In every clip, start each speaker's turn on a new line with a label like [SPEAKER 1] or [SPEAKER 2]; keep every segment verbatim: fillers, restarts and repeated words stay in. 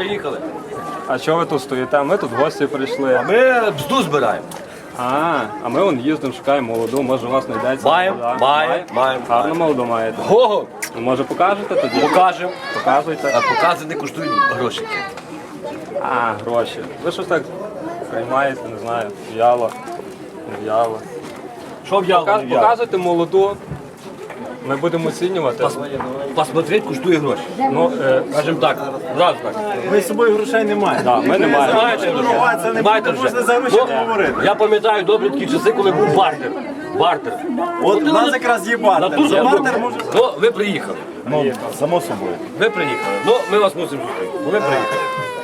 [SPEAKER 1] приїхали.
[SPEAKER 2] А що ви тут стоїте? Ми тут гості прийшли.
[SPEAKER 1] А ми бзду збираємо.
[SPEAKER 2] А, а ми вон їздимо, шукаємо молоду, може у вас знайдеться.
[SPEAKER 1] Маємо,
[SPEAKER 2] молода.
[SPEAKER 1] маємо, маємо.
[SPEAKER 2] Гарну молоду маєте.
[SPEAKER 1] Ого!
[SPEAKER 2] Ну, може покажете тоді?
[SPEAKER 1] Покажемо.
[SPEAKER 2] Показуйте.
[SPEAKER 1] А покази не коштують грошики.
[SPEAKER 2] А, гроші. Ви щось так приймаєте, не знаю, в'яло, не в'яло.
[SPEAKER 1] Що в'яло,
[SPEAKER 2] Показ-
[SPEAKER 1] не в'яло?
[SPEAKER 2] Показуйте молоду. Ми будемо оцінювати.
[SPEAKER 1] Посмотреть коштує гроші.
[SPEAKER 2] Ну, е,
[SPEAKER 1] Скажімо так, зразу так.
[SPEAKER 3] Ми з собою грошей не маємо.
[SPEAKER 2] да, ми не маємо.
[SPEAKER 1] Знаєте,
[SPEAKER 3] Це не
[SPEAKER 1] знаєте
[SPEAKER 3] можна
[SPEAKER 1] вже.
[SPEAKER 3] за гроші
[SPEAKER 1] Ну,
[SPEAKER 3] не говорити.
[SPEAKER 1] Я пам'ятаю добрі такі часи, коли був бартер. Бартер.
[SPEAKER 3] От у нас якраз є бартер.
[SPEAKER 1] Натурно,
[SPEAKER 3] За
[SPEAKER 1] я
[SPEAKER 3] бартер
[SPEAKER 1] думаю.
[SPEAKER 3] може...
[SPEAKER 1] Ну, ви приїхали.
[SPEAKER 3] Ну, само собою.
[SPEAKER 1] Ви приїхали. Ну, ми вас мусимо зустріти. Бо ви приїхали.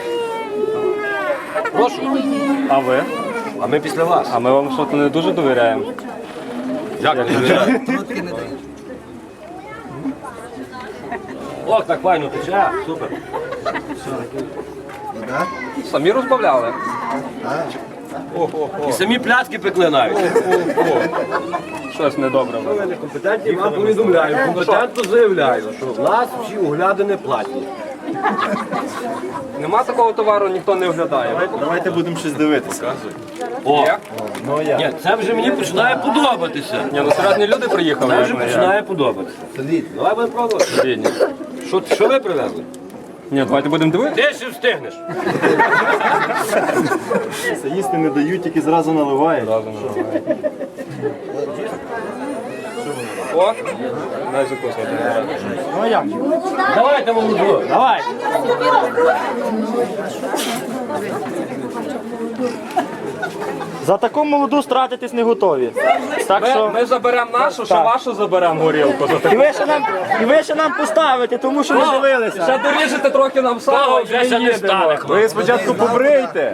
[SPEAKER 1] Прошу.
[SPEAKER 2] А ви?
[SPEAKER 1] А ми після вас.
[SPEAKER 2] А ми вам щось не дуже довіряємо.
[SPEAKER 1] Як не довіряю? Ох, так файно тече. Супер.
[SPEAKER 2] Самі розбавляли.
[SPEAKER 1] І самі пляцки пекли навіть.
[SPEAKER 2] Щось недобре.
[SPEAKER 1] Ви некомпетентні, вам повідомляю, компетентно заявляю, що в нас всі оглядини платні.
[SPEAKER 2] Нема такого товару, ніхто не оглядає.
[SPEAKER 3] Давайте будемо щось дивитися.
[SPEAKER 1] О,
[SPEAKER 3] Ну я.
[SPEAKER 1] ні, це вже мені починає подобатися.
[SPEAKER 2] Ні, ну серйозні люди приїхали.
[SPEAKER 1] Це
[SPEAKER 2] як
[SPEAKER 1] вже
[SPEAKER 2] не я.
[SPEAKER 1] починає подобатися. Давай будемо пробувати.
[SPEAKER 2] Бідні.
[SPEAKER 1] Що, що ви привезли?
[SPEAKER 2] Ні, давайте будемо дивитися.
[SPEAKER 1] Ти ще встигнеш.
[SPEAKER 3] Це їсти не дають, тільки зразу наливають.
[SPEAKER 2] О, дай закусувати.
[SPEAKER 3] Ну а як?
[SPEAKER 1] Давайте, молоду.
[SPEAKER 3] Давай. За таку молоду стратитись не готові. Так
[SPEAKER 2] Ми,
[SPEAKER 3] що...
[SPEAKER 2] ми заберемо нашу, що вашу заберемо горілку. За
[SPEAKER 3] І
[SPEAKER 2] таку.
[SPEAKER 3] ви ще нам, і ви ще нам поставите, тому що не дивилися.
[SPEAKER 2] Ще доріжете трохи нам сало,
[SPEAKER 1] Того
[SPEAKER 2] і
[SPEAKER 1] вже
[SPEAKER 2] ми
[SPEAKER 1] ще не
[SPEAKER 2] їдемо.
[SPEAKER 1] стане, хлопці.
[SPEAKER 3] Ви спочатку побрийте.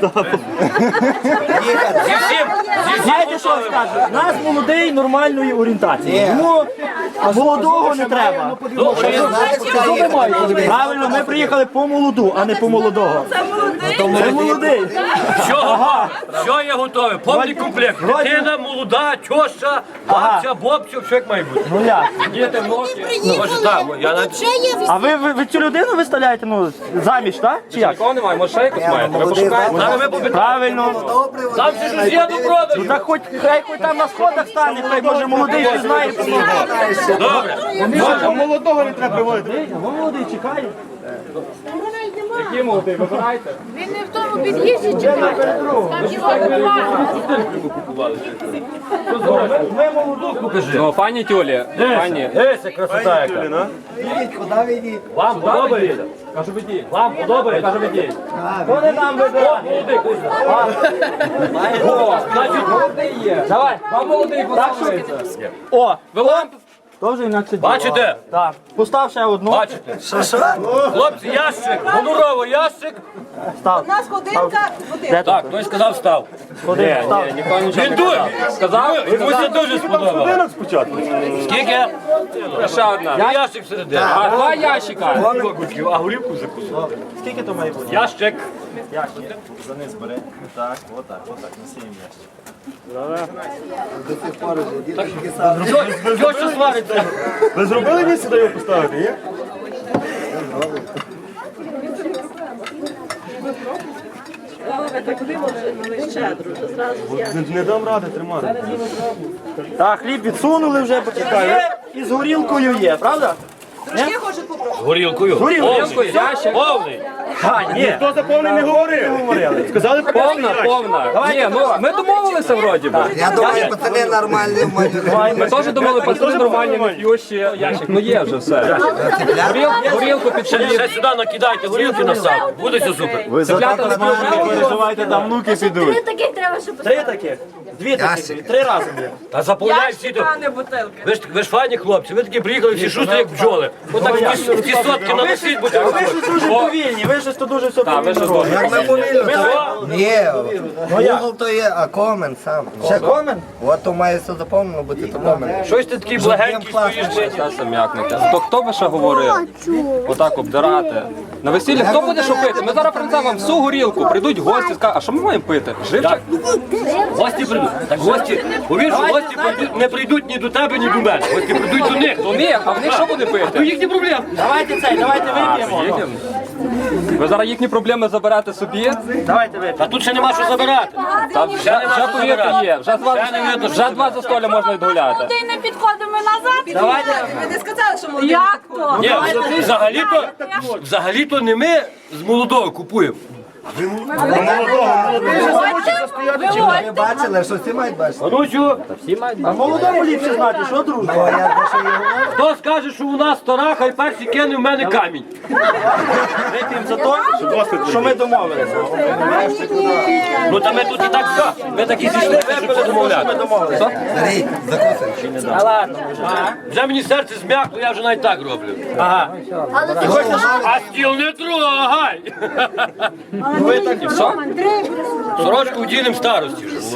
[SPEAKER 1] Зі всім, зі всім
[SPEAKER 3] Знаєте, що я
[SPEAKER 1] готовим.
[SPEAKER 3] скажу? У нас молодий нормальної орієнтації. Тому молодого не треба.
[SPEAKER 1] Ну, що є?
[SPEAKER 3] Правильно, ми приїхали по молоду, а не по молодого. Це молодий.
[SPEAKER 1] Що, що є готове? Повний комплект.
[SPEAKER 3] Вроді-
[SPEAKER 1] Дитина, молода, тьоща, бабця, бобця, все як має бути.
[SPEAKER 3] Ну як?
[SPEAKER 1] Діти, внуки. Може так, я навіть...
[SPEAKER 3] А ви, ви, ви цю людину виставляєте, ну, заміж, так? Чи як?
[SPEAKER 2] Нікого немає, може ще якось маєте. Ви пошукаєте.
[SPEAKER 1] Зараз ми попитаємо.
[SPEAKER 3] Правильно.
[SPEAKER 1] Там ще щось є до продажу.
[SPEAKER 3] Ну так хоч хай хоч там на сходах стане, хай може молодий не знає.
[SPEAKER 1] Добре.
[SPEAKER 3] А молодого не треба приводити. А молодий чекає.
[SPEAKER 2] Які молоді, вибирайте.
[SPEAKER 4] Він не в тому під'їзді чекає. Там його купували.
[SPEAKER 3] Ми молоду
[SPEAKER 1] Покажи.
[SPEAKER 2] Ну, пані Тюлі, пані.
[SPEAKER 1] Есі, красота яка. Вам подобається?
[SPEAKER 2] Кажу, ведіть.
[SPEAKER 1] Вам подобається?
[SPEAKER 2] Кажу, ведіть.
[SPEAKER 3] Вони нам вибирають.
[SPEAKER 1] Молодий, кузня.
[SPEAKER 2] О, значить, молодий є. Давай, вам молодий подобається.
[SPEAKER 3] О,
[SPEAKER 2] Ви лампу.
[SPEAKER 3] то вже інакше.
[SPEAKER 1] Бачите?
[SPEAKER 3] Так. Постав ще одну.
[SPEAKER 1] Бачите? Хлопці, ящик, гонорово ящик.
[SPEAKER 3] Став.
[SPEAKER 5] У нас годинка,
[SPEAKER 3] Де
[SPEAKER 5] годинка.
[SPEAKER 1] Так, хтось сказав став.
[SPEAKER 3] Ходи, став.
[SPEAKER 2] Ніхто нічого
[SPEAKER 1] Він
[SPEAKER 2] не
[SPEAKER 1] дує.
[SPEAKER 2] казав. Сказав?
[SPEAKER 1] Йому це дуже сподобалося.
[SPEAKER 3] спочатку.
[SPEAKER 1] Скільки?
[SPEAKER 2] Ще одна.
[SPEAKER 1] Я ящик всередині.
[SPEAKER 2] А два ящика.
[SPEAKER 1] А горівку закусив.
[SPEAKER 3] Скільки то має бути?
[SPEAKER 1] Ящик.
[SPEAKER 3] Ящик. Заниз бери. Так, отак, отак, насіємо ящик.
[SPEAKER 1] Що, що ще свариться?
[SPEAKER 3] Ви зробили місце, де його поставити, є? Не, не дам ради тримати. Так, хліб відсунули вже, почекай. І з горілкою є, правда?
[SPEAKER 5] Дружки хочуть попробувати.
[SPEAKER 1] Горілкою.
[SPEAKER 3] Горілкою,
[SPEAKER 1] Повний. Повний.
[SPEAKER 3] А, ні. Хто за повний не говорив? Сказали
[SPEAKER 2] Повна, повна. Ні, ну ми домовилися вроді би.
[SPEAKER 6] Я думаю, пацани нормальні в мене.
[SPEAKER 2] Ми теж думали, пацани нормальні, не п'ющі. Ящик, ну є вже все. Горіл- Горілку під
[SPEAKER 1] Ще,
[SPEAKER 2] шалів.
[SPEAKER 1] ще сюди накидайте горілки на сам. Буде все супер.
[SPEAKER 3] Ви за
[SPEAKER 2] Цеплята
[SPEAKER 3] тата не переживайте, там внуки підуть.
[SPEAKER 4] Таких треба, щоб
[SPEAKER 3] Три таких? Дві таких, три рази є.
[SPEAKER 1] Та заповняй всі. до-
[SPEAKER 5] А не бутилки.
[SPEAKER 1] Ви ж, ви ж файні хлопці, ви такі приїхали всі шустрі, як бджоли. Отак в ті- в ті сотки наносіть, будете
[SPEAKER 3] Ви
[SPEAKER 1] виходити.
[SPEAKER 3] ж дуже повільні, ви ж то дуже все
[SPEAKER 2] Так, ви
[SPEAKER 3] повільно
[SPEAKER 2] що
[SPEAKER 3] робите.
[SPEAKER 6] Як ми повільно, то ні, Google то є, а комен сам.
[SPEAKER 3] Ще комен?
[SPEAKER 6] От то має все заповнено бути, то комен.
[SPEAKER 1] Щось ти такий благенький стоїш.
[SPEAKER 2] Часом м'якнете. То хто би ще говорив? Отак обдирати. На весіллі хто буде що пити? Ми зараз принесемо вам всю горілку, прийдуть гості, скажуть, а що ми маємо пити? Живчик?
[SPEAKER 1] Гості прийдуть. їдуть. Так гості, повір, що гості прийдуть- не прийдуть ні до тебе, ні до мене. Гості прийдуть до них.
[SPEAKER 2] У них, а в них що буде
[SPEAKER 1] То
[SPEAKER 2] пити?
[SPEAKER 1] їхні проблеми.
[SPEAKER 3] Давайте цей, давайте вип'ємо.
[SPEAKER 2] Їдемо. Ви зараз їхні проблеми заберете собі?
[SPEAKER 3] Давайте вип'ємо.
[SPEAKER 1] А тут ще нема що забирати.
[SPEAKER 2] Та вже, вже повірте є, вже два,
[SPEAKER 1] Ще не видно,
[SPEAKER 2] вже два застолля можна відгуляти.
[SPEAKER 4] Ти не підходимо назад.
[SPEAKER 3] Давайте.
[SPEAKER 5] Ви не сказали, що молоді.
[SPEAKER 4] Як то?
[SPEAKER 1] Ні, взагалі-то, взагалі-то не ми з молодого купуємо.
[SPEAKER 6] Ви бачили, що всі мають бачити?
[SPEAKER 1] А ну що?
[SPEAKER 3] А молодому ліпше знати, що друже?
[SPEAKER 6] О, я за що його.
[SPEAKER 1] Хто скаже, що у нас стара, хай перший кине в мене камінь.
[SPEAKER 3] Вип'ємо за те, що ми домовилися.
[SPEAKER 1] Ну та ми тут і так все. Ми такі зійшли, випили домовляти.
[SPEAKER 6] Беріть, закусуй.
[SPEAKER 3] А ладно.
[SPEAKER 1] Вже мені серце зм'якло, я вже навіть так роблю.
[SPEAKER 3] Ага.
[SPEAKER 1] А стіл не трогай!
[SPEAKER 3] Ви так і все?
[SPEAKER 1] Сорочку вдінем старості вже.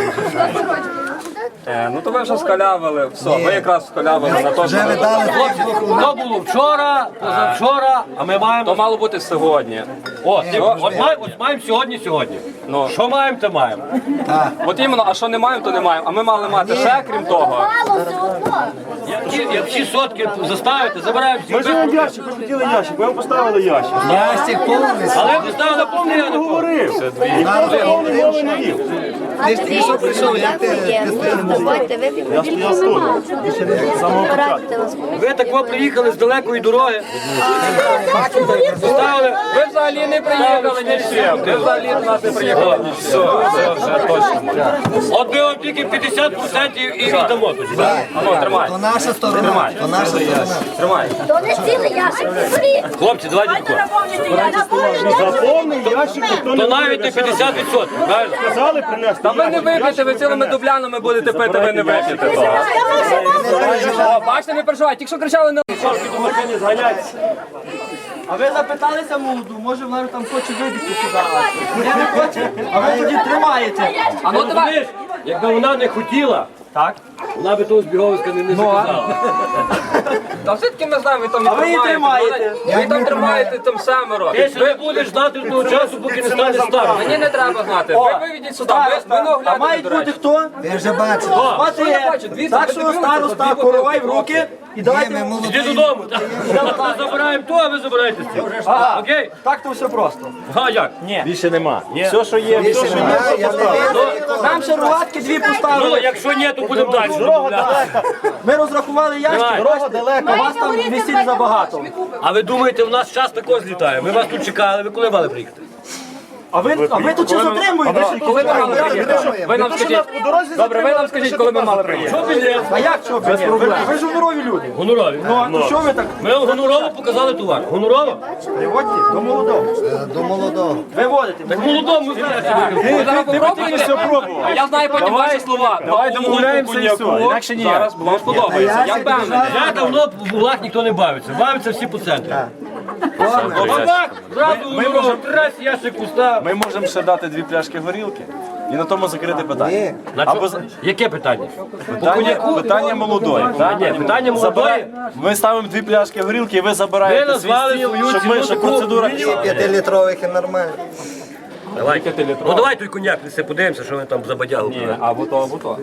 [SPEAKER 2] Е, ну то ви вже скалявили, все, ви якраз скалявили на то,
[SPEAKER 6] Вже ви
[SPEAKER 2] що...
[SPEAKER 6] дали.
[SPEAKER 1] То було вчора, позавчора, а ми
[SPEAKER 2] То
[SPEAKER 1] маємо...
[SPEAKER 2] мало бути сьогодні.
[SPEAKER 1] О, ти- от маємо, от маємо сьогодні, сьогодні.
[SPEAKER 2] Ну.
[SPEAKER 1] Що маємо, то маємо.
[SPEAKER 2] От іменно, а що не маємо, то не маємо. А ми мали мати ще, крім того.
[SPEAKER 1] Я всі- Я всі сотки заставити, забираю всі.
[SPEAKER 7] Ми ж вам ящик, ви хотіли ящик, ви вам поставили ящик.
[SPEAKER 6] Ящик повний.
[SPEAKER 1] Але ви ставили повний, я не повний.
[SPEAKER 7] Говорив. Ніхто за повний мови не вів.
[SPEAKER 6] Ти ж тільки що прийшов, як ти
[SPEAKER 8] Давайте вип'ємо.
[SPEAKER 7] Я стояв з тобою. З самого початку.
[SPEAKER 1] Ви так ви приїхали з далекої дороги. Поставили.
[SPEAKER 2] Ви взагалі не приїхали ні з чим. Ви взагалі до нас не приїхали ні з чим. Все, вже точно.
[SPEAKER 1] От ми вам тільки п'ятдесят відсотків і віддамо тоді. да?
[SPEAKER 2] А ну, тримай,
[SPEAKER 6] То наша сторона. То наша сторона.
[SPEAKER 2] тримай.
[SPEAKER 8] То не цілий ящик, не беріть.
[SPEAKER 1] Хлопці, давайте тако.
[SPEAKER 7] За повний ящик ніхто не
[SPEAKER 1] То навіть не п'ятдесят відсотків, правильно?
[SPEAKER 7] сказали принести.
[SPEAKER 2] Та ви не вип'єте, ви цілими дублянами будете пити, ви не вип'єте того. О, бачите, не переживайте, тільки що кричали не...
[SPEAKER 7] До машини зганяйте.
[SPEAKER 3] А ви запиталися молоду, може вона там хоче вибігти сюди. Ні, не хоче, а ви тоді тримаєте.
[SPEAKER 2] А ну давай.
[SPEAKER 1] Розумієш, якби вона не хотіла,
[SPEAKER 3] Так.
[SPEAKER 1] вона би того збіговиська не, не заказала.
[SPEAKER 2] Та все-таки ми знаємо, ви там не
[SPEAKER 3] А ви її
[SPEAKER 2] тримаєте.
[SPEAKER 3] тримаєте.
[SPEAKER 2] Ви там тримаєте там семеро.
[SPEAKER 1] Ти ще не будеш знати до того часу, поки не станеш старим.
[SPEAKER 2] Мені не треба знати. Ви виведіть сюди, ви, ви не
[SPEAKER 3] А
[SPEAKER 2] оглядайте,
[SPEAKER 3] мають
[SPEAKER 2] до
[SPEAKER 3] бути
[SPEAKER 2] речі.
[SPEAKER 3] хто?
[SPEAKER 6] Ти вже бачиш.
[SPEAKER 3] Мати
[SPEAKER 2] я бачу? Дивіться,
[SPEAKER 3] так
[SPEAKER 2] ви
[SPEAKER 3] що
[SPEAKER 2] дивилися,
[SPEAKER 3] староста
[SPEAKER 2] дві
[SPEAKER 3] коровай в
[SPEAKER 2] бутилки
[SPEAKER 3] руки і
[SPEAKER 6] Ні,
[SPEAKER 3] давайте.
[SPEAKER 6] ми
[SPEAKER 1] Іди
[SPEAKER 6] молоді.
[SPEAKER 1] додому. так. Ми забираємо то, а ви забираєте з цього.
[SPEAKER 3] Ага,
[SPEAKER 1] Окей?
[SPEAKER 3] так то все просто.
[SPEAKER 1] А як?
[SPEAKER 3] Ні.
[SPEAKER 7] Більше нема. Все, що є, все, що є.
[SPEAKER 6] Я, я не вірю.
[SPEAKER 3] Нам ще рогатки дві
[SPEAKER 1] Ну,
[SPEAKER 3] поставили.
[SPEAKER 1] якщо ні, то будемо далі.
[SPEAKER 7] Дорога далека.
[SPEAKER 3] Ми розрахували ящик,
[SPEAKER 1] Давай.
[SPEAKER 3] дорога далека, у вас там весіль забагато.
[SPEAKER 1] А ви думаєте, в нас час також злітає? Ми вас тут чекали, ви коли мали приїхати?
[SPEAKER 3] А ви, а ви тут ще затримуєте?
[SPEAKER 2] Коли ми мали приїхати? Ви нам скажіть. Добре, ви нам скажіть, коли ми мали приїхати.
[SPEAKER 1] Що білет?
[SPEAKER 3] А як що? Без проблем. Ви, ви ж гонорові люди.
[SPEAKER 1] Гонорові.
[SPEAKER 3] Ну, а то що ви так?
[SPEAKER 1] Ми вам гонорово показали товар. Гонорово?
[SPEAKER 3] Приводьте до молодого.
[SPEAKER 6] До молодого.
[SPEAKER 3] Виводите.
[SPEAKER 1] Так молодому знаєте.
[SPEAKER 2] Ви зараз попробуєте? А я знаю потім ваші слова.
[SPEAKER 7] Давай
[SPEAKER 2] Бабу
[SPEAKER 7] домовляємося і все,
[SPEAKER 2] коньяку.
[SPEAKER 7] інакше ніяк.
[SPEAKER 2] Зараз вам сподобається. Я впевнений.
[SPEAKER 1] Я давно в углах ніхто не бавиться. Бавиться всі по центрі. Бабак, зразу гонорово, трась, ящик пуста.
[SPEAKER 7] Ми можемо ще дати дві пляшки горілки і на тому закрити питання.
[SPEAKER 1] На
[SPEAKER 7] Або
[SPEAKER 1] чо-
[SPEAKER 7] за-
[SPEAKER 1] Яке питання?
[SPEAKER 7] питання, питання молодої.
[SPEAKER 1] Ні, питання молодої.
[SPEAKER 7] Забирай- Ми ставимо дві пляшки горілки, і ви
[SPEAKER 1] Ви
[SPEAKER 7] забираєте
[SPEAKER 1] назвали
[SPEAKER 7] свій стіл,
[SPEAKER 1] свою
[SPEAKER 7] щоб ми
[SPEAKER 1] ціну
[SPEAKER 7] ще
[SPEAKER 1] таку
[SPEAKER 7] процедура.
[SPEAKER 1] мінімум.
[SPEAKER 6] П'ятилітрових і нормально.
[SPEAKER 1] Давай. Ну давай той коньяк несе, подивимося, що вони там за бадягу.
[SPEAKER 2] Ні, або то, або то.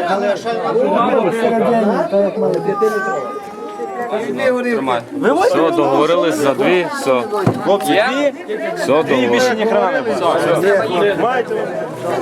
[SPEAKER 2] Тримай.
[SPEAKER 9] Все, договорились за дві, все.
[SPEAKER 7] Хлопці,
[SPEAKER 2] Є?
[SPEAKER 7] дві,
[SPEAKER 9] Все,
[SPEAKER 7] дві і більше ні хрена не буде. Маєте?